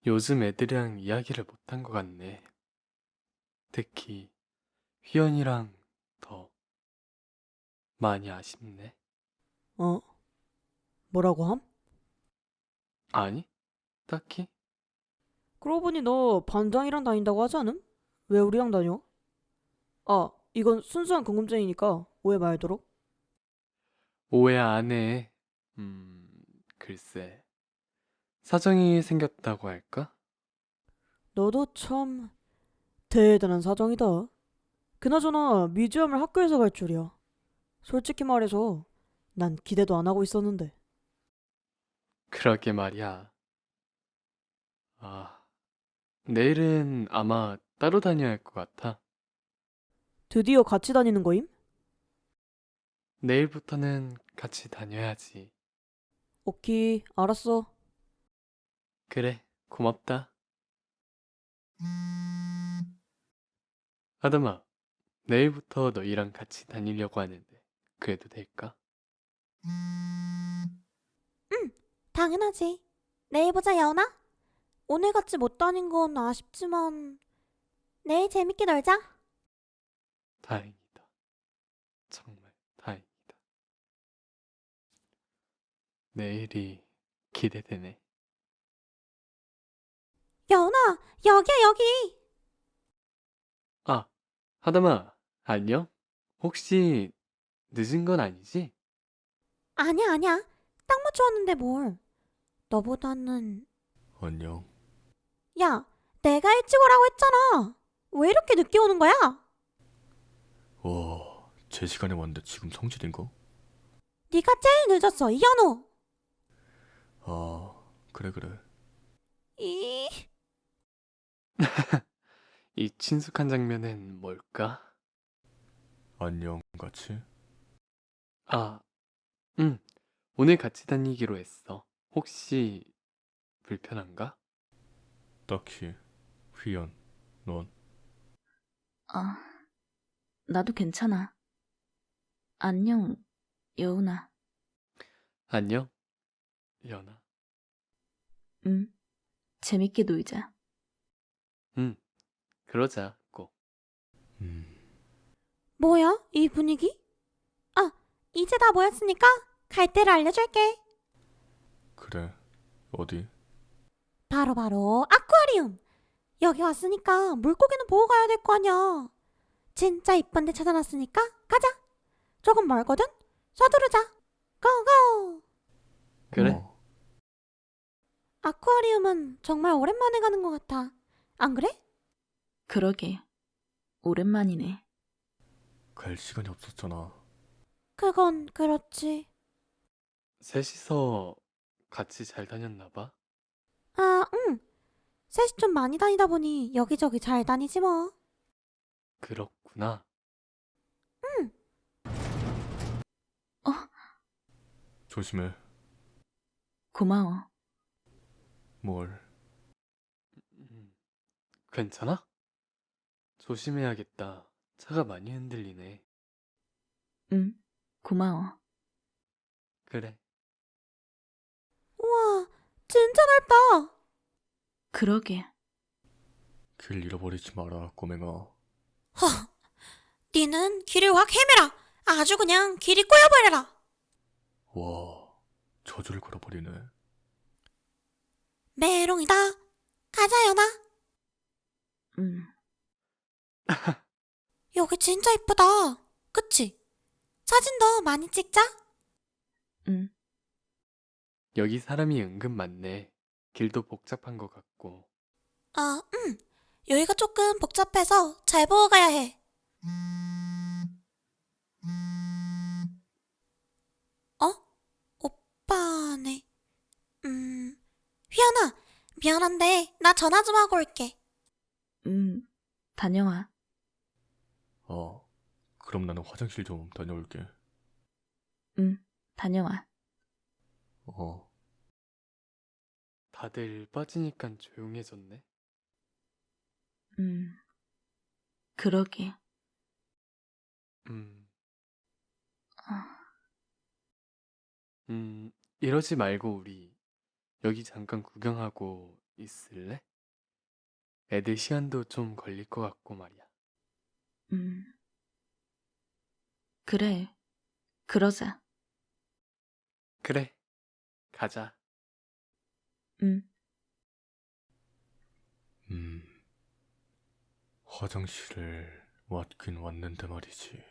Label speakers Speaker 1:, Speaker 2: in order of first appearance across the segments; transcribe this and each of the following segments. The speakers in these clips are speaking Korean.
Speaker 1: 요즘 애들이랑 이야기를 못한 것 같네. 특히 휘연이랑 더 많이 아쉽네.
Speaker 2: 어, 뭐라고 함?
Speaker 1: 아니, 딱히?
Speaker 2: 그러고 보니 너 반장이랑 다닌다고 하지 않음? 왜 우리랑 다녀? 아, 이건 순수한 궁금증이니까 오해 말도록.
Speaker 1: 오해 안 해. 글쎄. 사정이 생겼다고 할까?
Speaker 2: 너도 참 대단한 사정이다. 그나저나 뮤지엄을 학교에서 갈 줄이야. 솔직히 말해서 난 기대도 안 하고 있었는데.
Speaker 1: 그러게 말이야. 아, 내일은 아마 따로 다녀야 할 것 같아.
Speaker 2: 드디어 같이 다니는 거임?
Speaker 1: 내일부터는 같이 다녀야지.
Speaker 2: 오케이, 알았어.
Speaker 1: 그래, 고맙다. 아담아, 내일부터 너희랑 같이 다니려고 하는데, 그래도 될까?
Speaker 3: 응, 당연하지. 내일 보자, 여운아. 오늘 같이 못 다닌 건 아쉽지만 내일 재밌게 놀자.
Speaker 1: 다행이다. 정말 다행이다. 내일이 기대되네.
Speaker 3: 여운아, 여기야, 여기.
Speaker 1: 아, 하담아, 안녕? 혹시 늦은 건 아니지?
Speaker 3: 아니야, 아니야. 딱 맞춰왔는데 뭘. 너보다는...
Speaker 1: 안녕.
Speaker 3: 야, 내가 일찍 오라고 했잖아. 왜 이렇게 늦게 오는 거야?
Speaker 4: 와, 제 시간에 왔는데 지금 성질인가?
Speaker 3: 네가 제일 늦었어, 이현우.
Speaker 4: 아, 그래.
Speaker 3: 이...
Speaker 1: 이 친숙한 장면은 뭘까?
Speaker 4: 안녕, 같이?
Speaker 1: 아, 응. 오늘 같이 다니기로 했어. 혹시 불편한가?
Speaker 4: 딱히. 휘연, 넌?
Speaker 5: 아, 나도 괜찮아. 안녕, 여운아.
Speaker 1: 안녕, 연아.
Speaker 5: 응, 재밌게 놀자.
Speaker 1: 응, 그러자, 꼭.
Speaker 4: 음,
Speaker 3: 뭐야, 이 분위기? 아, 이제 다 모였으니까 갈 때를 알려줄게.
Speaker 4: 그래. 어디?
Speaker 3: 바로 아쿠아리움. 여기 왔으니까 물고기는 보고 가야 될 거 아니야. 진짜 이쁜 데 찾아놨으니까 가자. 조금 멀거든? 서두르자. 고고!
Speaker 1: 그래?
Speaker 4: 어,
Speaker 3: 아쿠아리움은 정말 오랜만에 가는 것 같아. 안 그래?
Speaker 5: 그러게, 오랜만이네.
Speaker 4: 갈 시간이 없었잖아.
Speaker 3: 그건 그렇지.
Speaker 1: 셋이서 같이 잘 다녔나 봐?
Speaker 3: 아, 응. 셋이 좀 많이 다니다 보니 여기저기 잘 다니지 뭐.
Speaker 1: 그렇구나.
Speaker 3: 응.
Speaker 5: 어,
Speaker 4: 조심해.
Speaker 5: 고마워.
Speaker 4: 뭘.
Speaker 1: 음, 괜찮아? 조심해야겠다. 차가 많이 흔들리네.
Speaker 5: 응, 고마워.
Speaker 1: 그래.
Speaker 3: 우와, 진짜 넓다.
Speaker 5: 그러게,
Speaker 4: 길 잃어버리지 마라, 꼬맹아.
Speaker 3: 허, 니는 길을 확 헤매라. 아주 그냥 길이 꼬여버려라.
Speaker 4: 와, 저주를 걸어버리네.
Speaker 3: 메롱이다. 가자, 연아.
Speaker 5: 응,
Speaker 3: 여기 진짜 이쁘다. 그치? 사진도 많이 찍자.
Speaker 5: 응,
Speaker 1: 여기 사람이 은근 많네. 길도 복잡한 것 같고.
Speaker 3: 아, 여기가 조금 복잡해서 잘 보고 가야 해. 어? 오빠네. 휘연아, 미안한데 나 전화 좀 하고 올게.
Speaker 5: 응, 다녀와.
Speaker 4: 아, 그럼 나는 화장실 좀 다녀올게.
Speaker 5: 응, 다녀와.
Speaker 4: 어,
Speaker 1: 다들 빠지니까 조용해졌네.
Speaker 5: 응, 그러게.
Speaker 1: 음,
Speaker 5: 아,
Speaker 1: 이러지 말고 우리 여기 잠깐 구경하고 있을래? 애들 시간도 좀 걸릴 것 같고 말이야.
Speaker 5: 그래. 그러자.
Speaker 1: 그래, 가자.
Speaker 5: 음.
Speaker 4: 화장실을 왔긴 왔는데 말이지.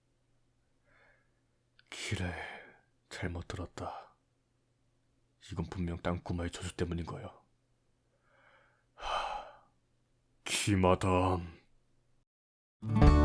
Speaker 4: 길에 잘못 들었다. 이건 분명 땅구마의 저주 때문인 거야. 기마담.